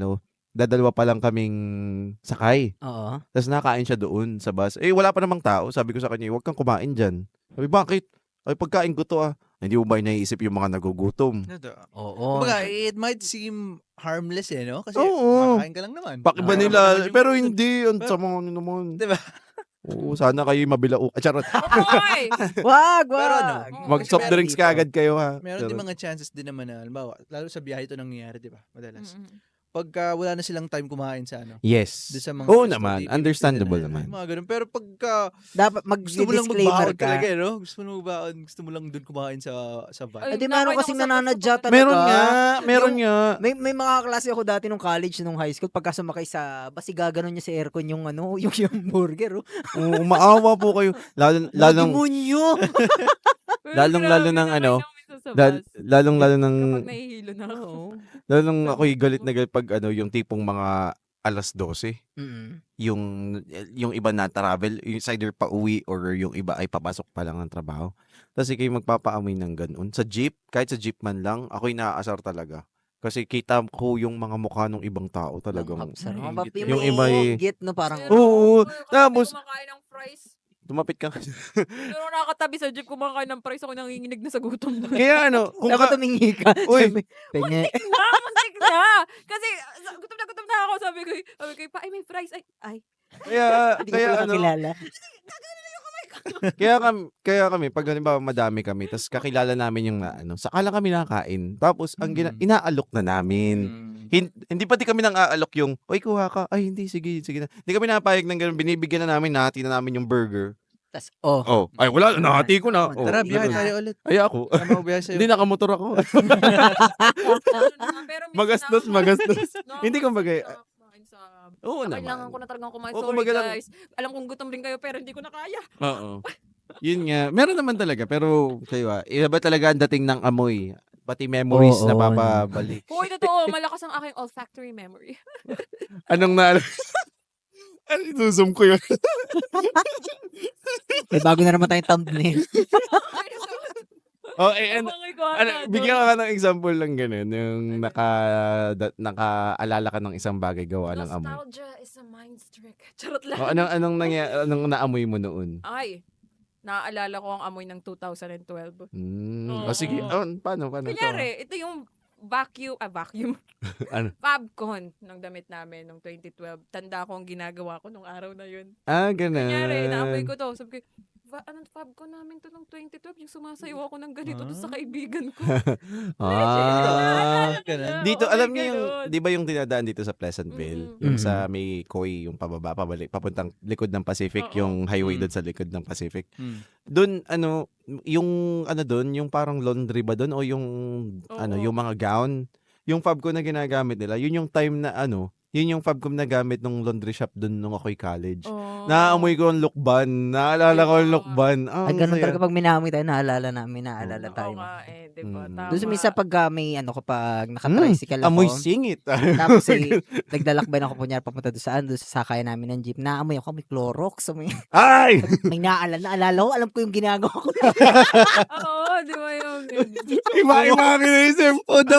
[SPEAKER 2] kaming sakay.
[SPEAKER 4] Oo.
[SPEAKER 2] Tapos nakain siya doon sa bus. Eh, wala pa namang tao. Sabi ko sa kanya, huwag kang kumain dyan. Sabi, bakit? Ay, pagkain ko to Hindi mo ba naiisip yung mga nagugutom?
[SPEAKER 4] Oo.
[SPEAKER 5] Kumbaga, it might seem harmless no? Kasi
[SPEAKER 2] Oo.
[SPEAKER 5] makain ka lang naman.
[SPEAKER 2] Pakiba
[SPEAKER 5] Naman
[SPEAKER 2] nila.
[SPEAKER 5] yung-
[SPEAKER 2] Pero hindi. Ang
[SPEAKER 5] Pero-
[SPEAKER 2] sama naman.
[SPEAKER 5] Diba?
[SPEAKER 2] Oo, sana kayo mabilao. Charot.
[SPEAKER 3] Oy!
[SPEAKER 4] Wag,
[SPEAKER 5] Pero ano,
[SPEAKER 4] wag.
[SPEAKER 2] Mag soft
[SPEAKER 5] meron
[SPEAKER 2] drinks
[SPEAKER 4] dito.
[SPEAKER 2] ka agad kayo ha.
[SPEAKER 5] Meron din
[SPEAKER 2] Charot.
[SPEAKER 5] mga chances din naman na, halimbawa, lalo sa biyahe ito nangyayari, di ba? Madalas.
[SPEAKER 3] Mm-mm.
[SPEAKER 5] Pagka wala na silang time kumain sa
[SPEAKER 2] Yes.
[SPEAKER 5] doon sa mga
[SPEAKER 2] Oo
[SPEAKER 5] resto,
[SPEAKER 2] naman.
[SPEAKER 5] di-
[SPEAKER 2] Understandable
[SPEAKER 5] pinipili
[SPEAKER 2] naman.
[SPEAKER 5] nila, Mga ganun. Pero pagka
[SPEAKER 4] Dapat
[SPEAKER 5] gusto mo lang
[SPEAKER 4] mag-disclaimer
[SPEAKER 5] magbaon
[SPEAKER 4] ka.
[SPEAKER 5] talaga, no? Gusto mo lang magbaon, gusto mo lang doon kumain sa van.
[SPEAKER 3] Ay,
[SPEAKER 4] Eh, di meron
[SPEAKER 3] nakain
[SPEAKER 4] kasing
[SPEAKER 3] ako sa
[SPEAKER 4] nananadya
[SPEAKER 3] bus
[SPEAKER 4] talaga.
[SPEAKER 2] Meron nga. Meron nga.
[SPEAKER 4] May mga klase ako dati nung college, nung high school, pagka sumakay bas igaganon niya sa aircon yung yung burger.
[SPEAKER 2] Oo, maawa po kayo. Lalong
[SPEAKER 4] Demonyo!
[SPEAKER 3] Pero
[SPEAKER 2] Lalong-lalo
[SPEAKER 3] grabe,
[SPEAKER 2] ng
[SPEAKER 3] nakain
[SPEAKER 2] ano,
[SPEAKER 3] ako minsan sa bus.
[SPEAKER 2] lalong ng
[SPEAKER 3] Kapag nahihilo na ako.
[SPEAKER 2] lalong ako'y galit na galit pag yung tipong mga alas 12.
[SPEAKER 4] Mm.
[SPEAKER 2] Yung iba na travel, yung either pa uwi or yung iba ay papasok pa lang ng trabaho. Tapos kayo magpapaamoy ng ganun. Sa jeep, kahit sa jeep man lang, ako'y naaasar talaga. Kasi kita ko yung mga mukha ng ibang tao talagang.
[SPEAKER 4] Sarap.
[SPEAKER 2] Yung iba eh.
[SPEAKER 4] Git, no? Parang,
[SPEAKER 3] Pero,
[SPEAKER 2] Oo,
[SPEAKER 3] kapag
[SPEAKER 2] tapos-
[SPEAKER 3] kumakain ng fries.
[SPEAKER 2] Tumapit ka.
[SPEAKER 3] Pero nakakatabi sa jeep, kumakain ng fries, ako nanginginig na sa gutom na.
[SPEAKER 2] Kaya kung
[SPEAKER 4] dapat tumingi ka.
[SPEAKER 2] Uy.
[SPEAKER 4] Sabi, Penge.
[SPEAKER 3] Muntik na! Kasi gutom na ako. Sabi ko, ay may fries. Ay.
[SPEAKER 2] kaya
[SPEAKER 4] Hindi ko pala
[SPEAKER 2] ano,
[SPEAKER 4] kakilala.
[SPEAKER 2] Kaya kami pag halimbawa madami kami tapos kakilala namin yung saka lang kami nakakain. Tapos ang inaalok na namin. Hindi pati kami nang aalok yung, "Oy, kuha ka." Ay, hindi, sige na. Hindi kami napayag ng gano'n. Binibigyan na namin, nahati na namin yung burger.
[SPEAKER 4] Tas,
[SPEAKER 2] Ay wala, nahati ko na.
[SPEAKER 5] Tara, biyahe
[SPEAKER 2] ganun.
[SPEAKER 5] tayo ulit.
[SPEAKER 2] Ay ako.
[SPEAKER 5] Tama ko biyahe sa'yo.
[SPEAKER 2] Hindi, nakamotor ako.
[SPEAKER 3] Pero minsan
[SPEAKER 2] Magastos.
[SPEAKER 3] nakaka-
[SPEAKER 2] Hindi, kumbaga,
[SPEAKER 3] nakakain sa
[SPEAKER 2] Oo
[SPEAKER 3] kailangan ko
[SPEAKER 2] naman.
[SPEAKER 3] na talagang kumain.
[SPEAKER 2] Oo,
[SPEAKER 3] Sorry
[SPEAKER 2] kumbaga lang-
[SPEAKER 3] guys. Alam kong gutom rin kayo pero hindi ko na kaya.
[SPEAKER 2] Oo. Yun nga. Meron naman talaga. Pero kayo iba talaga ang dating ng amoy. Pati memories
[SPEAKER 4] Oo,
[SPEAKER 2] na papabalik.
[SPEAKER 3] Hoy, totoo. Malakas ang aking olfactory memory.
[SPEAKER 2] Anong na... Ano, isusum ko yun.
[SPEAKER 4] May bago na naman tayong thumbnail.
[SPEAKER 2] Bigyan ka ng example lang ganun. Yung nakaalala ka ng isang bagay gawa ng amoy.
[SPEAKER 3] Nostalgia is a mind trick. Charot lang.
[SPEAKER 2] Anong naamoy mo noon?
[SPEAKER 3] Ay, naaalala ko ang amoy ng 2012.
[SPEAKER 2] Sige.
[SPEAKER 3] Oo.
[SPEAKER 2] Paano?
[SPEAKER 3] Kunyari, ito yung vacuum.
[SPEAKER 2] Ano?
[SPEAKER 3] Fabcon ng damit namin nung 2012. Tanda ko ang ginagawa ko nung araw na yun.
[SPEAKER 2] Ganun.
[SPEAKER 3] Kunyari, naamoy ko to. Sabi ko, anong Fabcon namin to nung 2012? Yung sumasayaw ako ng ganito to sa kaibigan ko.
[SPEAKER 5] ganun.
[SPEAKER 2] Dito,
[SPEAKER 3] Oo,
[SPEAKER 2] alam
[SPEAKER 3] may
[SPEAKER 2] niyo yung,
[SPEAKER 3] ganun.
[SPEAKER 2] di ba yung dinadaan dito sa Pleasantville?
[SPEAKER 3] Mm-mm.
[SPEAKER 2] Yung sa may Koi, yung pabalik, papuntang likod ng Pacific,
[SPEAKER 3] Oo.
[SPEAKER 2] yung highway
[SPEAKER 5] Mm.
[SPEAKER 2] doon sa likod ng Pacific.
[SPEAKER 5] Mm.
[SPEAKER 2] Doon, yung doon, yung parang laundry ba doon o yung,
[SPEAKER 3] Oo.
[SPEAKER 2] yung mga gown, yung Fabcom na ginagamit nila, yun yung time na yun yung Fabcom na gamit nung laundry shop doon nung ako'y college.
[SPEAKER 3] Oo.
[SPEAKER 2] Naamoy ko ang lukban. Naalala ko ang lukban.
[SPEAKER 4] Ay, ganun talaga pag minamoy tayo, naalala tayo.
[SPEAKER 3] Oo nga diba?
[SPEAKER 2] Mm.
[SPEAKER 3] Tama.
[SPEAKER 4] Doon sa minsan pag may kapag naka-tricycle ako.
[SPEAKER 2] Amoy singit.
[SPEAKER 4] Tapos naglalakbay na ako kunyari papunta doon sa sakayan namin ng jeep. Naamoy ako, may Clorox.
[SPEAKER 2] Ay!
[SPEAKER 4] May naalala ko, alam ko yung ginagawa ko.
[SPEAKER 3] Oo, di ba yung...
[SPEAKER 2] Iba-iba kinaisip ko daw.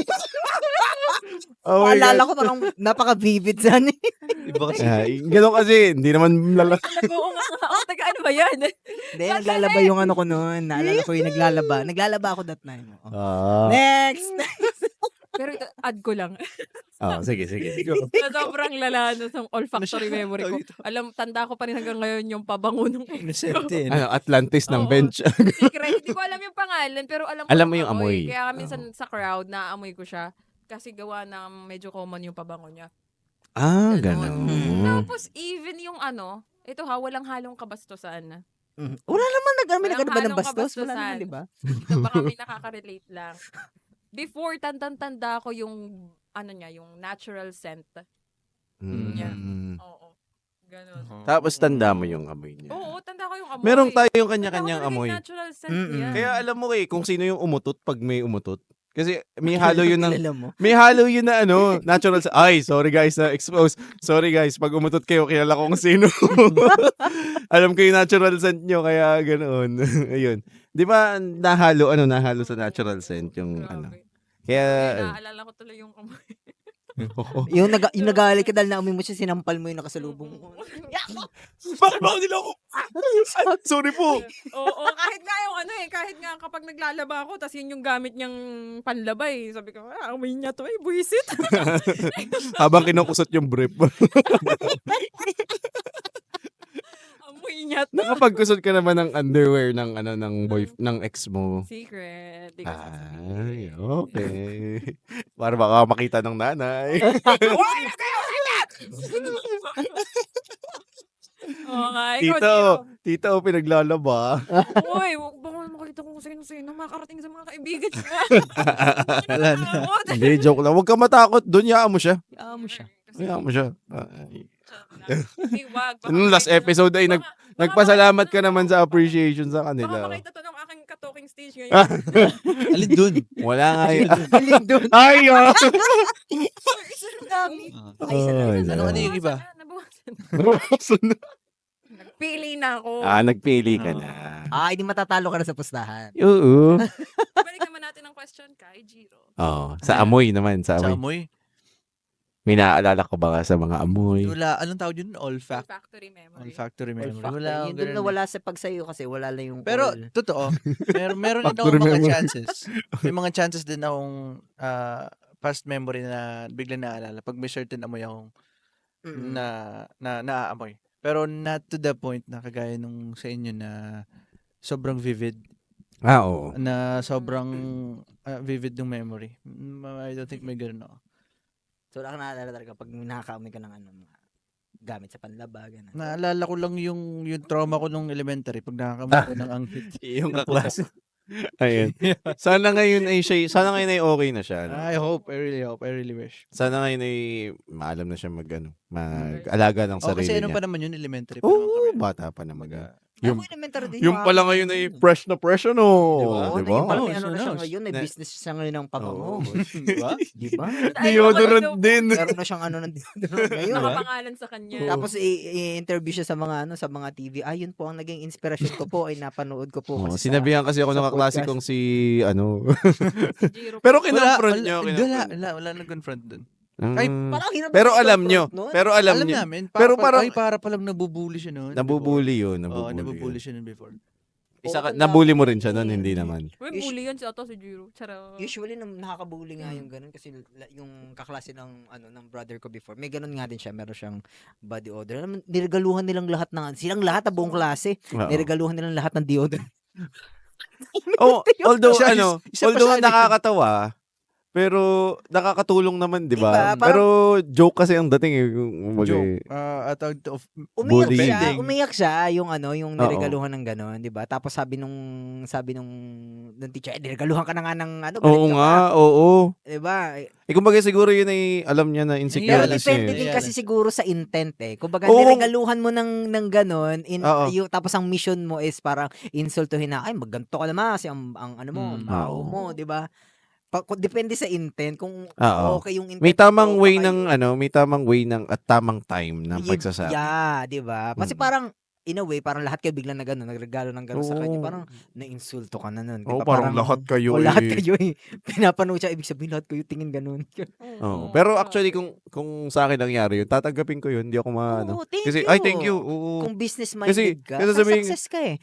[SPEAKER 2] Oh my
[SPEAKER 4] Naalala
[SPEAKER 2] God.
[SPEAKER 4] ko parang napaka-vivid sa
[SPEAKER 5] Iba kasi.
[SPEAKER 2] Ganun kasi, hindi naman
[SPEAKER 3] Oo nga. Oh, taga ano ba yan?
[SPEAKER 4] Hindi, naglalaba yung ano ko noon. Naalala ko yung naglalaba. Naglalaba ako that time. Next!
[SPEAKER 3] Pero ito, add ko lang.
[SPEAKER 2] Sige.
[SPEAKER 3] Na sobrang lala no, sa olfactory memory ko. Tanda ko pa rin hanggang ngayon yung pabango ng
[SPEAKER 5] Inosente.
[SPEAKER 2] Atlantis ng
[SPEAKER 3] Oo.
[SPEAKER 2] bench.
[SPEAKER 3] secret. Hindi ko alam yung pangalan, pero
[SPEAKER 2] Alam mo yung amoy.
[SPEAKER 3] Kaya minsan sa crowd, naaamoy ko siya. Kasi gawa na medyo common yung pabango niya.
[SPEAKER 2] Ganun.
[SPEAKER 3] Tapos even yung ito walang halong kabastusan.
[SPEAKER 4] Wala naman
[SPEAKER 3] Walang
[SPEAKER 4] nagano ba ng
[SPEAKER 3] halong
[SPEAKER 4] bastos? Wala
[SPEAKER 3] kabastusan.
[SPEAKER 4] naman, di ba?
[SPEAKER 3] Ito baka may nakaka-relate lang. Before, tanda ko yung, yung natural scent. niya. Oo. Ganun.
[SPEAKER 2] Tapos tanda mo yung amoy niya.
[SPEAKER 3] Oo, tanda ko yung amoy.
[SPEAKER 2] Meron tayong
[SPEAKER 3] Tanda ko
[SPEAKER 2] kanya-kanyang
[SPEAKER 3] talaga yung
[SPEAKER 2] amoy.
[SPEAKER 3] natural scent niya.
[SPEAKER 2] Kaya alam mo kung sino yung umutot pag may umutot. Kasi may halo yun ng
[SPEAKER 4] Kilala mo.
[SPEAKER 2] may halo yun na natural sorry guys na expose. Sorry guys, pag umutot kayo, kilala ko kung sino. Alam ko yung natural scent nyo, kaya ganoon. Ayun. Di ba nahalo sa natural scent yung
[SPEAKER 3] Grabe.
[SPEAKER 2] Kaya
[SPEAKER 3] Naalala ko tuloy yung amoy.
[SPEAKER 4] Yung nagalit ka dahil naamoy mo siya, sinampal mo yung nakasalubong mo.
[SPEAKER 2] bakit ba nila ako? Sorry po.
[SPEAKER 3] Oo, kahit nga yung kahit nga kapag naglalaba ako, tas yun yung gamit niyang panlabay. Sabi ko, amoy niya to buwisit.
[SPEAKER 2] Habang kinukusot yung brief.
[SPEAKER 3] Amoy niya to.
[SPEAKER 2] Nakapagkusot ka naman ng underwear ng ng ex mo.
[SPEAKER 3] Secret. Di ko
[SPEAKER 2] Ay, okay. Para baka makita ng nanay.
[SPEAKER 3] Oo nga, ikaw,
[SPEAKER 2] Tito, pinaglalaba.
[SPEAKER 3] Uy, baka makita ko kung sino-sino makarating sa mga kaibigan niya.
[SPEAKER 5] Wala na.
[SPEAKER 2] Hindi, joke lang. Huwag ka matakot. Doon, yaan mo siya.
[SPEAKER 4] Amo siya.
[SPEAKER 2] Yaan mo siya.
[SPEAKER 3] Hindi, wag. Baka
[SPEAKER 2] Nung last
[SPEAKER 3] makita
[SPEAKER 2] episode ay
[SPEAKER 3] baka-
[SPEAKER 2] nagpasalamat ka naman sa appreciation sa
[SPEAKER 3] Baka
[SPEAKER 2] kanila.
[SPEAKER 3] makita to ng aking ka-talking stage ngayon.
[SPEAKER 5] Alin dun?
[SPEAKER 2] Wala nga yun.
[SPEAKER 4] Alin doon?
[SPEAKER 2] Ay,
[SPEAKER 5] Ano yung iba?
[SPEAKER 3] Nabawasan. Nagpili na ako.
[SPEAKER 2] Nagpili ka na.
[SPEAKER 4] Hindi matatalo ka na sa pustahan.
[SPEAKER 2] Oo.
[SPEAKER 3] Balik naman natin ang question kay Jiro.
[SPEAKER 2] Sa amoy naman. Sa
[SPEAKER 5] Sa
[SPEAKER 2] amoy.
[SPEAKER 5] amoy?
[SPEAKER 2] May naaalala ko ba sa mga amoy?
[SPEAKER 5] Wala. Anong tawag yun?
[SPEAKER 3] Olfactory memory.
[SPEAKER 5] Olfactory memory.
[SPEAKER 4] Olfactory.
[SPEAKER 5] Wala akong
[SPEAKER 4] Yun doon
[SPEAKER 5] ganun
[SPEAKER 4] na
[SPEAKER 5] eh.
[SPEAKER 4] wala sa pagsayo kasi wala lang yung
[SPEAKER 5] Pero,
[SPEAKER 4] oil.
[SPEAKER 5] totoo. Meron din
[SPEAKER 2] Factory
[SPEAKER 5] akong mga
[SPEAKER 2] memory.
[SPEAKER 5] chances. May mga chances din akong past memory na bigla naaalala. Pag may certain amoy akong
[SPEAKER 4] Mm-mm.
[SPEAKER 5] naaamoy. Pero not to the point na kagaya nung sa inyo na sobrang vivid.
[SPEAKER 2] Oo.
[SPEAKER 5] Na sobrang vivid ng memory. I don't think may ganun ako.
[SPEAKER 4] So, wala ka naalala talaga pag nakakaamoy ka ng ano, mga gamit sa panlaba, gano'n.
[SPEAKER 5] Naalala ko lang yung trauma ko nung elementary pag nakakamoy ko ng anghit.
[SPEAKER 2] Yung
[SPEAKER 5] ng
[SPEAKER 2] kaklase.
[SPEAKER 5] putok.
[SPEAKER 2] Ayun. Sana ngayon ay okay na siya. Ano?
[SPEAKER 5] I hope, I really wish.
[SPEAKER 2] Sana ngayon ay maalam na siya mag-alaga ng
[SPEAKER 5] Oh,
[SPEAKER 2] sarili
[SPEAKER 5] kasi ano
[SPEAKER 2] niya.
[SPEAKER 5] pa naman yun, elementary pa naman
[SPEAKER 2] Oo,
[SPEAKER 5] kami.
[SPEAKER 2] bata pa naman yun.
[SPEAKER 5] Kumbaga,
[SPEAKER 2] Yung,
[SPEAKER 4] Ako elementary din.
[SPEAKER 2] yung pala ngayon ay fresh na fresh, ano?
[SPEAKER 4] Oo,
[SPEAKER 2] Di
[SPEAKER 4] na
[SPEAKER 2] ba?
[SPEAKER 4] yung parang may
[SPEAKER 5] Oh,
[SPEAKER 4] ano na
[SPEAKER 5] so
[SPEAKER 4] siya
[SPEAKER 5] nice.
[SPEAKER 4] ngayon, may
[SPEAKER 2] Na-
[SPEAKER 4] business siya ngayon ng pabango.
[SPEAKER 2] Oo.
[SPEAKER 5] Di ba?
[SPEAKER 4] Di ba?
[SPEAKER 2] Deodorant din.
[SPEAKER 4] Meron na siyang ano ng deodorant ngayon.
[SPEAKER 3] Nakapangalan sa kanya.
[SPEAKER 4] Tapos i-interview siya sa mga sa mga TV. Yun po ang naging inspirasyon ko po ay napanood ko po
[SPEAKER 2] Oh,
[SPEAKER 4] kasi
[SPEAKER 2] sinabihan kasi ako
[SPEAKER 4] sa
[SPEAKER 2] ng kaklase
[SPEAKER 4] podcast.
[SPEAKER 2] kong si ano.
[SPEAKER 3] Si Jiro.
[SPEAKER 2] Pero
[SPEAKER 5] Wala,
[SPEAKER 2] kinonfront
[SPEAKER 5] wala,
[SPEAKER 2] niyo.
[SPEAKER 5] wala nag-confront dun.
[SPEAKER 2] Ay,
[SPEAKER 4] Parang hirap
[SPEAKER 2] pero
[SPEAKER 4] na
[SPEAKER 2] alam nyo.
[SPEAKER 4] i-confront nun.
[SPEAKER 2] Pero alam
[SPEAKER 5] Alam
[SPEAKER 2] nyo.
[SPEAKER 5] namin.
[SPEAKER 2] Pero parang-
[SPEAKER 5] para palang nabubuli siya noon.
[SPEAKER 2] Nabubuli yun.
[SPEAKER 5] Oo,
[SPEAKER 2] Nabubuli
[SPEAKER 5] nabubuli
[SPEAKER 2] yun.
[SPEAKER 5] siya noon before.
[SPEAKER 2] Nabully mo rin siya nun, hindi naman.
[SPEAKER 3] May bully yan si Ato si Jiro. Charot.
[SPEAKER 4] Usually nakakabuli nga yung ganun kasi yung kaklase ng ng brother ko before. May ganun nga din siya, meron siyang body odor. Alam mo, niregaluhan nilang lahat silang lahat na buong klase.
[SPEAKER 2] Oo.
[SPEAKER 4] Niregaluhan nilang lahat ng deodorant.
[SPEAKER 2] Oh, although
[SPEAKER 5] Isa-
[SPEAKER 2] ano,
[SPEAKER 5] isa pa
[SPEAKER 2] although
[SPEAKER 5] siya,
[SPEAKER 2] nakakatawa, pero nakakatulong naman, 'di
[SPEAKER 4] Diba?
[SPEAKER 2] ba?
[SPEAKER 4] Parang-
[SPEAKER 2] Pero joke kasi ang dating eh. Kumbaga,
[SPEAKER 5] Joke. Of
[SPEAKER 4] Umiyak
[SPEAKER 2] Bullying.
[SPEAKER 4] siya, umiyak siya yung yung
[SPEAKER 2] Oo.
[SPEAKER 4] niregaluhan ng gano'n, 'di ba? Tapos sabi nung teacher, niregaluhan ka na nga ng galit
[SPEAKER 2] oo
[SPEAKER 4] ka
[SPEAKER 2] nga,
[SPEAKER 4] pa."
[SPEAKER 2] oo.
[SPEAKER 4] 'Di ba?
[SPEAKER 2] Eh kumbaga siguro yun ay alam niya na insecure
[SPEAKER 4] Pero
[SPEAKER 5] Yes,
[SPEAKER 4] depende
[SPEAKER 5] yes.
[SPEAKER 4] din kasi siguro sa intent eh. Kumbaga
[SPEAKER 2] Oo.
[SPEAKER 4] niregaluhan mo ng gano'n
[SPEAKER 2] Oo.
[SPEAKER 4] tapos ang mission mo is parang insultuhin na ay magganto ka naman kasi ang ano mo, ang baho
[SPEAKER 2] Oo.
[SPEAKER 4] mo, 'di ba? Depende sa intent kung
[SPEAKER 2] Oo.
[SPEAKER 4] okay yung intent.
[SPEAKER 2] May tamang
[SPEAKER 4] mo,
[SPEAKER 2] way
[SPEAKER 4] baka
[SPEAKER 2] ng may tamang way ng at tamang time ng pagsasabi.
[SPEAKER 4] Yeah, 'di ba? Kasi
[SPEAKER 2] Mm.
[SPEAKER 4] parang in a way, parang lahat kayo biglang nagregalo ng gano'n sa kanya.
[SPEAKER 2] Oo.
[SPEAKER 4] Parang nainsulto ka na nun. 'di
[SPEAKER 2] Oo,
[SPEAKER 4] ba?
[SPEAKER 2] parang lahat kayo
[SPEAKER 4] lahat
[SPEAKER 2] eh.
[SPEAKER 4] kayo eh. Pinapanood siya, ibig sabihin lahat kayo tingin gano'n.
[SPEAKER 2] Oo. Pero actually kung sa akin nangyari yun, tatanggapin ko yun, hindi ako
[SPEAKER 4] Oo, thank
[SPEAKER 2] Kasi
[SPEAKER 4] you.
[SPEAKER 2] ay thank you. Oo.
[SPEAKER 4] Kung business-minded ka,
[SPEAKER 2] kasi sabihin-
[SPEAKER 4] success ka eh.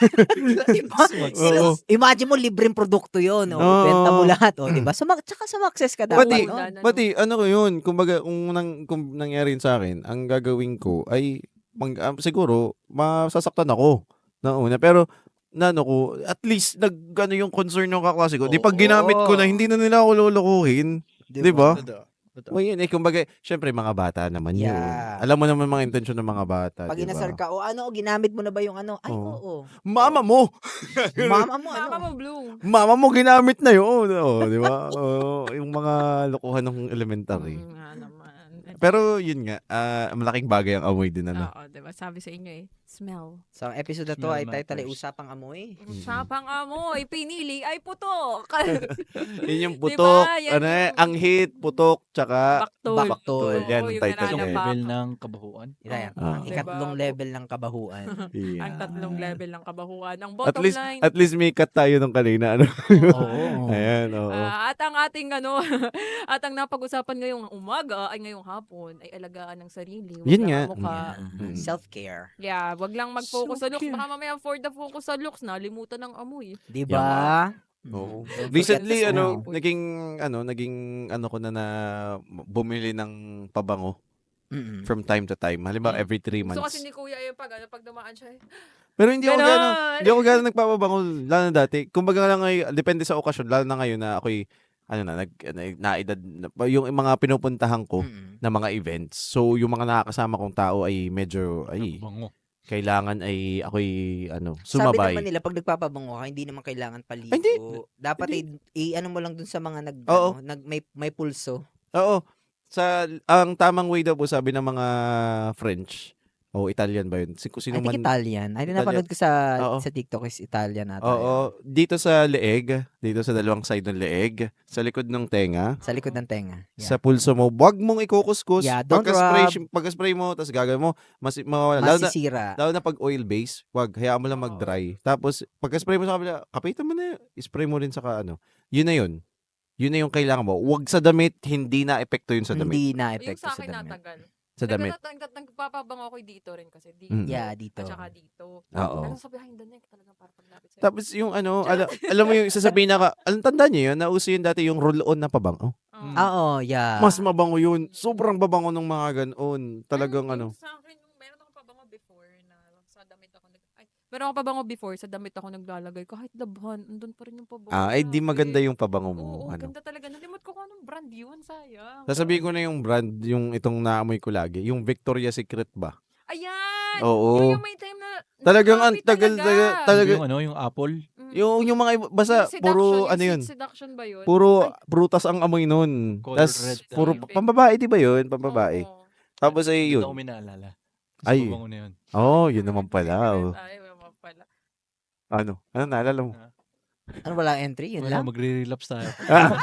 [SPEAKER 4] diba?
[SPEAKER 2] Oo.
[SPEAKER 4] Imagine mo, libreng produkto yun. O,
[SPEAKER 2] Oo.
[SPEAKER 4] benta mo lahat. O, diba? Tsaka success ka dapat.
[SPEAKER 2] Pati,
[SPEAKER 4] no?
[SPEAKER 2] pati ano ko yun, kumbaga kung nangyari yun sa akin, ang gagawin ko ay siguro masasaktan ako na una, pero ko at least yung concern ng kaklase ko. Di pag ginamit ko na hindi na nila ako lolokohin. Di ba?
[SPEAKER 5] Totoo.
[SPEAKER 2] O yun kumbaga, syempre mga bata naman yun.
[SPEAKER 4] Yeah.
[SPEAKER 2] Alam mo naman mga intensyon ng mga bata,
[SPEAKER 4] Pag
[SPEAKER 2] di
[SPEAKER 4] inasar
[SPEAKER 2] ba?
[SPEAKER 4] ka, ginamit mo na ba yung ano? Ay,
[SPEAKER 2] Oo.
[SPEAKER 4] oo.
[SPEAKER 2] Mama mo!
[SPEAKER 4] Mama mo,
[SPEAKER 3] Mama
[SPEAKER 4] ano?
[SPEAKER 3] mo, Blue.
[SPEAKER 2] Mama mo ginamit na yun. Oh, di ba? Yung mga lokohan ng elementary.
[SPEAKER 3] Nga naman.
[SPEAKER 2] Pero yun nga, malaking bagay ang amoy din, ano.
[SPEAKER 3] Oo, diba? Sabi sa inyo eh, smell.
[SPEAKER 4] Sa episode na to
[SPEAKER 5] Smell
[SPEAKER 4] ay title ay
[SPEAKER 5] matters.
[SPEAKER 4] Usapang Amoy.
[SPEAKER 3] Usapang amoy, pinili ay putok.
[SPEAKER 2] Yun yung
[SPEAKER 3] Diba?
[SPEAKER 2] putok,
[SPEAKER 3] Yan yung-
[SPEAKER 2] anghit, putok, tsaka
[SPEAKER 3] Baktol.
[SPEAKER 4] Baktol.
[SPEAKER 3] Oo,
[SPEAKER 2] Yan,
[SPEAKER 3] yung
[SPEAKER 2] title
[SPEAKER 5] Isang
[SPEAKER 2] niya.
[SPEAKER 3] nananapak.
[SPEAKER 5] level ng kabahuan.
[SPEAKER 4] Yan.
[SPEAKER 2] Ah.
[SPEAKER 4] Ang ikatlong
[SPEAKER 3] Diba?
[SPEAKER 4] level ng kabahuan.
[SPEAKER 2] Yeah.
[SPEAKER 3] Ang tatlong level ng kabahuan. Ang
[SPEAKER 2] At
[SPEAKER 3] bottom
[SPEAKER 2] least,
[SPEAKER 3] line.
[SPEAKER 2] at least may cut tayo nung kanina, ano.
[SPEAKER 4] Oo.
[SPEAKER 2] Ayan, oo.
[SPEAKER 3] At ang ating at ang napag-usapan ngayong umaga ay ngayong hapon ay alagaan ng sarili. Wag
[SPEAKER 2] Yun
[SPEAKER 3] lang
[SPEAKER 2] nga.
[SPEAKER 3] ang mukha.
[SPEAKER 2] Mm.
[SPEAKER 4] Self-care.
[SPEAKER 3] Yeah, wag lang mag-focus sa looks.
[SPEAKER 5] Self-care.
[SPEAKER 3] Baka mamaya for the focus sa looks, nalimutan ng amoy.
[SPEAKER 4] Di ba?
[SPEAKER 2] Oo.
[SPEAKER 4] Don't
[SPEAKER 2] Recently,
[SPEAKER 4] forget to
[SPEAKER 3] ano,
[SPEAKER 4] smell.
[SPEAKER 2] naging ko na bumili ng pabango
[SPEAKER 4] Mm-mm.
[SPEAKER 2] from time to time. Halimbawa, every 3
[SPEAKER 3] Gusto kasi
[SPEAKER 2] months.
[SPEAKER 3] ni Kuya yung pag dumaan siya.
[SPEAKER 2] Pero hindi ako
[SPEAKER 3] Ganon!
[SPEAKER 2] hindi ako gano'n nagpapabango, lalo na dati. Kumbaga lang ngayon, depende sa okasyon, lalo na ngayon na ako'y, naedad, yung mga pinupuntahan ko
[SPEAKER 4] Mm-mm.
[SPEAKER 2] na mga events. So, yung mga nakakasama kong tao ay medyo,
[SPEAKER 5] Bango.
[SPEAKER 2] kailangan ay ako'y,
[SPEAKER 4] Sabi
[SPEAKER 2] sumabay.
[SPEAKER 4] naman nila, pag nagpapabango ka, hindi naman kailangan paligo.
[SPEAKER 2] Ay, hindi.
[SPEAKER 4] Dapat i-ano mo lang dun sa mga
[SPEAKER 2] Oo.
[SPEAKER 4] may pulso.
[SPEAKER 2] Oo. Ang tamang way daw po, sabi ng mga French, o Italian ba yun? Kung
[SPEAKER 4] I
[SPEAKER 2] sino
[SPEAKER 4] think
[SPEAKER 2] man.
[SPEAKER 4] Italian. Ay, napanood ko sa
[SPEAKER 2] Oo.
[SPEAKER 4] TikTok is Italian ata.
[SPEAKER 2] Oo. Dito sa leeg, dito sa dalawang side ng leeg, sa likod ng tenga,
[SPEAKER 4] Sa likod ng tenga.
[SPEAKER 2] sa pulso mo, wag mong ikukuskus.
[SPEAKER 4] Yeah, don't
[SPEAKER 2] Pagka-spray mo, tapos gagawin mo, mawawala.
[SPEAKER 4] Masisira.
[SPEAKER 2] Lalo na pag oil base, wag, hayaan mo lang mag-dry. Tapos, pagka-spray mo sa kabila, kapitan mo na yun. Spray mo rin sa Yun na yun. Yun na yung kailangan mo. Wag sa damit, hindi na epekto yun sa damit.
[SPEAKER 4] Hindi na
[SPEAKER 3] Yung
[SPEAKER 4] epekto
[SPEAKER 3] sa
[SPEAKER 4] sa
[SPEAKER 3] akin
[SPEAKER 4] damit.
[SPEAKER 3] natagal.
[SPEAKER 2] Sa damit.
[SPEAKER 3] Nagpapabango ako dito rin kasi. Dito.
[SPEAKER 2] Mm.
[SPEAKER 4] Yeah, dito.
[SPEAKER 3] At saka dito.
[SPEAKER 2] Oo.
[SPEAKER 3] Pero sa behind the neck talaga para paglapit sa'yo.
[SPEAKER 2] Tapos yung alam mo yung sasabihin alam tandaan niyo yun, nauso yun dati yung roll-on na pabango.
[SPEAKER 3] Oo.
[SPEAKER 4] Oo, yeah.
[SPEAKER 2] Mas mabango yun. Sobrang babango ng mga ganon. Talagang
[SPEAKER 3] Yung Sa akin, yung meron akong pabango na sa damit ako meron ako pabango before, sa damit ako naglalagay. Kahit labhan, andun pa rin yung pabango.
[SPEAKER 2] Ay, di
[SPEAKER 3] Grabe.
[SPEAKER 2] maganda yung pabango
[SPEAKER 3] Oo,
[SPEAKER 2] mo. Ano.
[SPEAKER 3] ganda talaga. Nalimot ko kung anong brand yun, sayang.
[SPEAKER 2] Sasabihin ko na yung brand, yung itong naamoy ko lagi. Yung Victoria's Secret ba?
[SPEAKER 3] Ayan!
[SPEAKER 2] Oo.
[SPEAKER 3] Yung may time na
[SPEAKER 2] Talagang ang
[SPEAKER 3] nakakapit
[SPEAKER 2] talaga.
[SPEAKER 5] Yung Apple.
[SPEAKER 3] Mm.
[SPEAKER 2] Yung mga basta
[SPEAKER 3] Yung
[SPEAKER 2] puro
[SPEAKER 3] seduction,
[SPEAKER 2] ano
[SPEAKER 3] yung
[SPEAKER 2] yun.
[SPEAKER 3] sweet seduction ba yun?
[SPEAKER 2] Puro prutas ang amoy nun.
[SPEAKER 5] Color
[SPEAKER 2] Tas
[SPEAKER 5] red.
[SPEAKER 2] puro
[SPEAKER 3] Pink.
[SPEAKER 2] pambabae, di ba yun? Pambabae.
[SPEAKER 3] Oo.
[SPEAKER 2] Tapos ay
[SPEAKER 5] Hindi
[SPEAKER 2] yun.
[SPEAKER 5] ako may naalala.
[SPEAKER 2] Ay.
[SPEAKER 5] Ay. Pabango na yun.
[SPEAKER 2] Oh, yun naman pala. Oh.
[SPEAKER 3] Ay, naman pala.
[SPEAKER 2] Ano? Ano naalala mo?
[SPEAKER 4] Ano wala entry? Yun
[SPEAKER 5] Wala,
[SPEAKER 4] lang?
[SPEAKER 5] magre-relapse tayo.
[SPEAKER 2] Ah,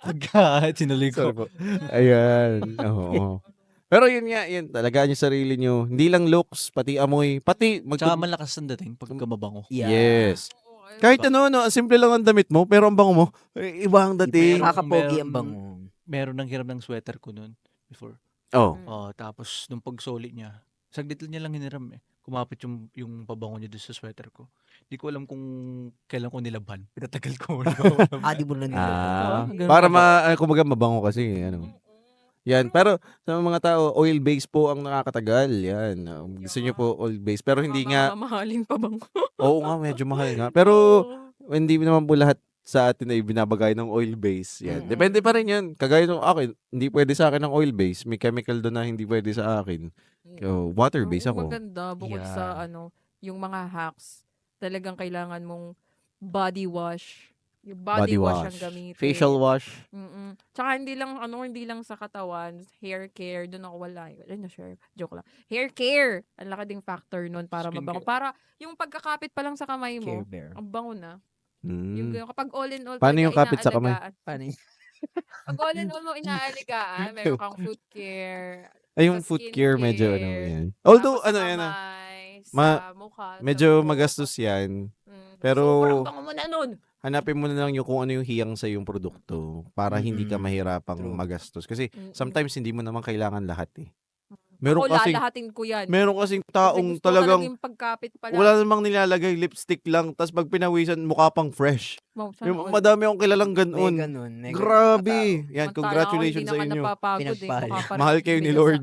[SPEAKER 5] Pagka sinuloy
[SPEAKER 2] sorry
[SPEAKER 5] ko.
[SPEAKER 2] po. Ayan. Oo. Pero yun nga, yun. Talagaan yung sarili nyo. Hindi lang looks, pati amoy. Pati
[SPEAKER 5] Tsaka malakas ang dating pagka mabango.
[SPEAKER 2] Yes.
[SPEAKER 3] Oo, ayun.
[SPEAKER 2] Kahit ano, ang simple lang ang damit mo, pero ang bango mo, iba ang dating.
[SPEAKER 5] Meron-
[SPEAKER 4] Nakakapogi ang bango.
[SPEAKER 5] Meron nang hiram ng sweater ko noon before.
[SPEAKER 2] Oh.
[SPEAKER 5] Oh, tapos nung pagsoli niya, saglit niya lang hiniram eh. Kumapit yung pabango niya doon sa sweater ko. Di ko alam kung kailan ko nilabhan. Pinatagal ko.
[SPEAKER 4] Di mo na nila.
[SPEAKER 5] ganun
[SPEAKER 2] Para
[SPEAKER 5] ba?
[SPEAKER 2] kumbaga mabango kasi. Ano. Yan. Pero sa mga tao, oil-based po ang nakakatagal. Yan. Gusto nyo po oil-based. Pero hindi nga,
[SPEAKER 3] Mamahalin pa bang?
[SPEAKER 2] oo nga, medyo mahal nga. Pero hindi naman po lahat sa atin ay binabagay ng oil-based. Yan.
[SPEAKER 3] Mm-mm.
[SPEAKER 2] Depende pa rin yan. Kagaya ng akin, hindi pwede sa akin ng oil-based. May chemical doon na hindi pwede sa akin. So, water-based
[SPEAKER 3] Oo,
[SPEAKER 2] ako.
[SPEAKER 3] maganda bukod
[SPEAKER 5] Yeah.
[SPEAKER 3] sa yung mga hacks. Talagang kailangan mong body wash. Yung body, wash ang gamitin.
[SPEAKER 2] Facial wash.
[SPEAKER 3] Mm-mm. Tsaka hindi lang sa katawan, hair care, doon ako wala. Ay, na-share. Joke lang. Hair care. Ang laki ding factor nun para
[SPEAKER 5] Skin
[SPEAKER 3] mabango.
[SPEAKER 5] care.
[SPEAKER 3] Para yung pagkakapit pa lang sa kamay mo,
[SPEAKER 4] Care Bear.
[SPEAKER 3] ang bango na.
[SPEAKER 2] Mm.
[SPEAKER 3] Yung kapag all in all,
[SPEAKER 2] Paano
[SPEAKER 3] talaga
[SPEAKER 2] yung kapit sa kamay?
[SPEAKER 3] inaalagaan.
[SPEAKER 4] Paano yun?
[SPEAKER 3] Pag all in all mo inaalagaan, meron kang foot care.
[SPEAKER 2] Ay, yung
[SPEAKER 3] sa
[SPEAKER 2] foot
[SPEAKER 3] skin
[SPEAKER 2] care, medyo ano
[SPEAKER 3] care,
[SPEAKER 2] yan. Although,
[SPEAKER 3] tapos sa
[SPEAKER 2] ano yan,
[SPEAKER 3] kamay,
[SPEAKER 2] ma-
[SPEAKER 3] sa mukha, sa
[SPEAKER 2] medyo
[SPEAKER 3] buhok.
[SPEAKER 2] magastos yan.
[SPEAKER 3] Pero,
[SPEAKER 2] pero-
[SPEAKER 3] sobrang bango mo na nun.
[SPEAKER 2] Hanapin mo na lang yung kung ano yung hiyang sa yung produkto para hindi ka
[SPEAKER 4] Mm-mm.
[SPEAKER 2] mahirapang
[SPEAKER 4] True.
[SPEAKER 2] magastos. Kasi
[SPEAKER 3] Mm-mm.
[SPEAKER 2] sometimes hindi mo naman kailangan lahat eh. Meron
[SPEAKER 3] Ako
[SPEAKER 2] kasing,
[SPEAKER 3] lalahatin ko yan.
[SPEAKER 2] meron kasing
[SPEAKER 3] Kasi
[SPEAKER 2] taong
[SPEAKER 3] gusto ko talaga
[SPEAKER 2] talagang
[SPEAKER 3] yung pagkapit pa lang.
[SPEAKER 2] wala namang nilalagay, lipstick lang, tapos pag pinawisan, mukha pang fresh.
[SPEAKER 3] Wow, sana
[SPEAKER 2] Yung
[SPEAKER 3] all.
[SPEAKER 2] madami akong kilalang
[SPEAKER 4] May
[SPEAKER 2] ganun.
[SPEAKER 4] ganun. May ganun.
[SPEAKER 2] Grabe. Yan,
[SPEAKER 3] Samantala
[SPEAKER 2] congratulations
[SPEAKER 3] ako,
[SPEAKER 2] sa
[SPEAKER 3] hindi
[SPEAKER 2] inyo.
[SPEAKER 3] naman napapagod
[SPEAKER 4] Pinagpahal.
[SPEAKER 3] Mukha pa rin
[SPEAKER 2] Mahal kayo ni
[SPEAKER 3] bigla
[SPEAKER 2] Lord.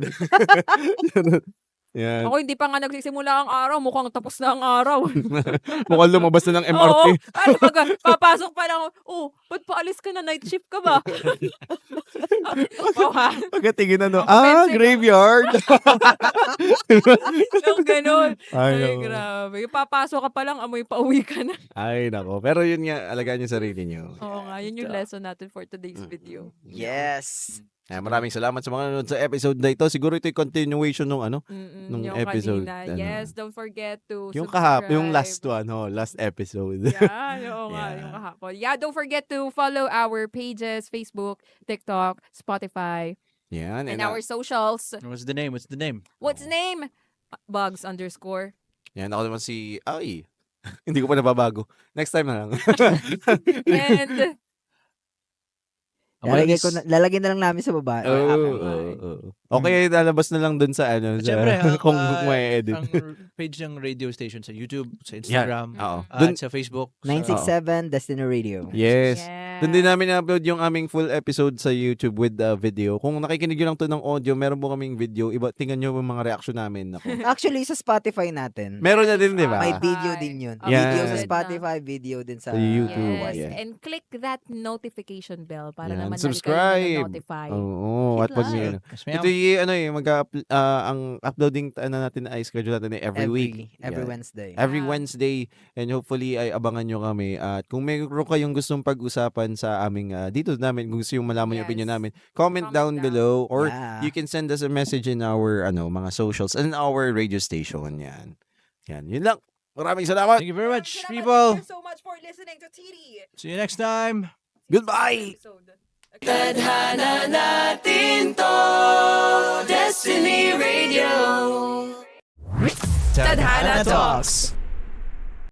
[SPEAKER 3] sa-
[SPEAKER 2] Yan.
[SPEAKER 3] Ako hindi pa nga nagsisimula ang araw, mukhang tapos na ang araw.
[SPEAKER 2] Mukhang lumabas na ng MRT.
[SPEAKER 3] Oo, ano pag papasok pa lang, ba't paalis ka na? Night shift ka ba? Wow, ha?
[SPEAKER 2] Pagkatingin ano,
[SPEAKER 3] Ang offensive.
[SPEAKER 2] graveyard.
[SPEAKER 3] Yung ganun.
[SPEAKER 2] Ay,
[SPEAKER 3] Ay,
[SPEAKER 2] nako.
[SPEAKER 3] grabe. Yung papasok ka pa lang, amoy pauwi ka na.
[SPEAKER 2] Ay, nako. Pero yun nga, alagaan yung sarili nyo.
[SPEAKER 3] Oo nga, yun yung lesson natin for today's video.
[SPEAKER 4] Yes.
[SPEAKER 2] Maraming salamat sa mga nanonood sa episode na ito. Siguro ito yung continuation ng ano, nung
[SPEAKER 3] Yung
[SPEAKER 2] episode,
[SPEAKER 3] kanina.
[SPEAKER 2] ano.
[SPEAKER 3] Yes, don't forget to
[SPEAKER 2] yung last
[SPEAKER 3] subscribe.
[SPEAKER 2] one, last episode.
[SPEAKER 3] Yeah, oo nga,
[SPEAKER 2] Yeah.
[SPEAKER 3] yung kahapon. Yeah, don't forget to follow our pages, Facebook, TikTok, Spotify,
[SPEAKER 2] Yan.
[SPEAKER 3] and our socials.
[SPEAKER 5] What's the name? What's the name?
[SPEAKER 3] What's name? Bugs _.
[SPEAKER 2] Yan, ako naman si, hindi ko pa nababago. Next time na lang.
[SPEAKER 3] And,
[SPEAKER 4] Lalagyan na lang namin sa baba.
[SPEAKER 2] Okay, lalabas na lang dun sa ano.
[SPEAKER 5] Siyempre,
[SPEAKER 2] kung may edit.
[SPEAKER 5] Ang page ng radio station sa YouTube, sa Instagram,
[SPEAKER 2] Oo.
[SPEAKER 3] Mm.
[SPEAKER 2] Dun,
[SPEAKER 5] at sa Facebook.
[SPEAKER 4] 967 Destiny Radio.
[SPEAKER 2] yes.
[SPEAKER 3] yeah.
[SPEAKER 2] Doon din namin na-upload yung aming full episode sa YouTube with video. Kung nakikinig nyo lang to ng audio, meron po kaming video. Tingnan nyo yung mga reaction namin. Ako.
[SPEAKER 4] Actually, sa Spotify natin.
[SPEAKER 2] Meron na din, di ba?
[SPEAKER 4] May video din yun.
[SPEAKER 2] Yeah.
[SPEAKER 4] Video sa
[SPEAKER 3] Uploaded
[SPEAKER 4] Spotify, video din sa
[SPEAKER 2] Sa YouTube.
[SPEAKER 3] Yes,
[SPEAKER 2] Yeah.
[SPEAKER 3] and click that notification bell para
[SPEAKER 2] Yan.
[SPEAKER 3] naman
[SPEAKER 2] Subscribe.
[SPEAKER 3] notify.
[SPEAKER 2] Oo. At
[SPEAKER 3] Hit
[SPEAKER 2] pag
[SPEAKER 3] like.
[SPEAKER 2] ano,
[SPEAKER 5] Yes,
[SPEAKER 2] ito yung ang uploading natin ay schedule natin ay every week.
[SPEAKER 4] Every
[SPEAKER 2] Yeah.
[SPEAKER 4] Wednesday.
[SPEAKER 2] Every
[SPEAKER 3] Yeah.
[SPEAKER 2] Wednesday, and hopefully ay abangan nyo kami. At kung mayroon kayong gustong pag-usapan sa aming dito namin, kung gusto yung malaman yung
[SPEAKER 3] Yes.
[SPEAKER 2] opinion namin, comment down
[SPEAKER 3] down.
[SPEAKER 2] below, or
[SPEAKER 4] Yeah.
[SPEAKER 2] you can send us a message in our mga socials and our radio station. Yan. Yun lang. Maraming salamat.
[SPEAKER 5] Thank you very much,
[SPEAKER 3] Salamat.
[SPEAKER 5] people.
[SPEAKER 3] Thank you so much for listening to TD.
[SPEAKER 5] See you next time.
[SPEAKER 2] Goodbye.
[SPEAKER 1] Tadhana natin to, Destiny Radio.
[SPEAKER 3] Tadhana Talks.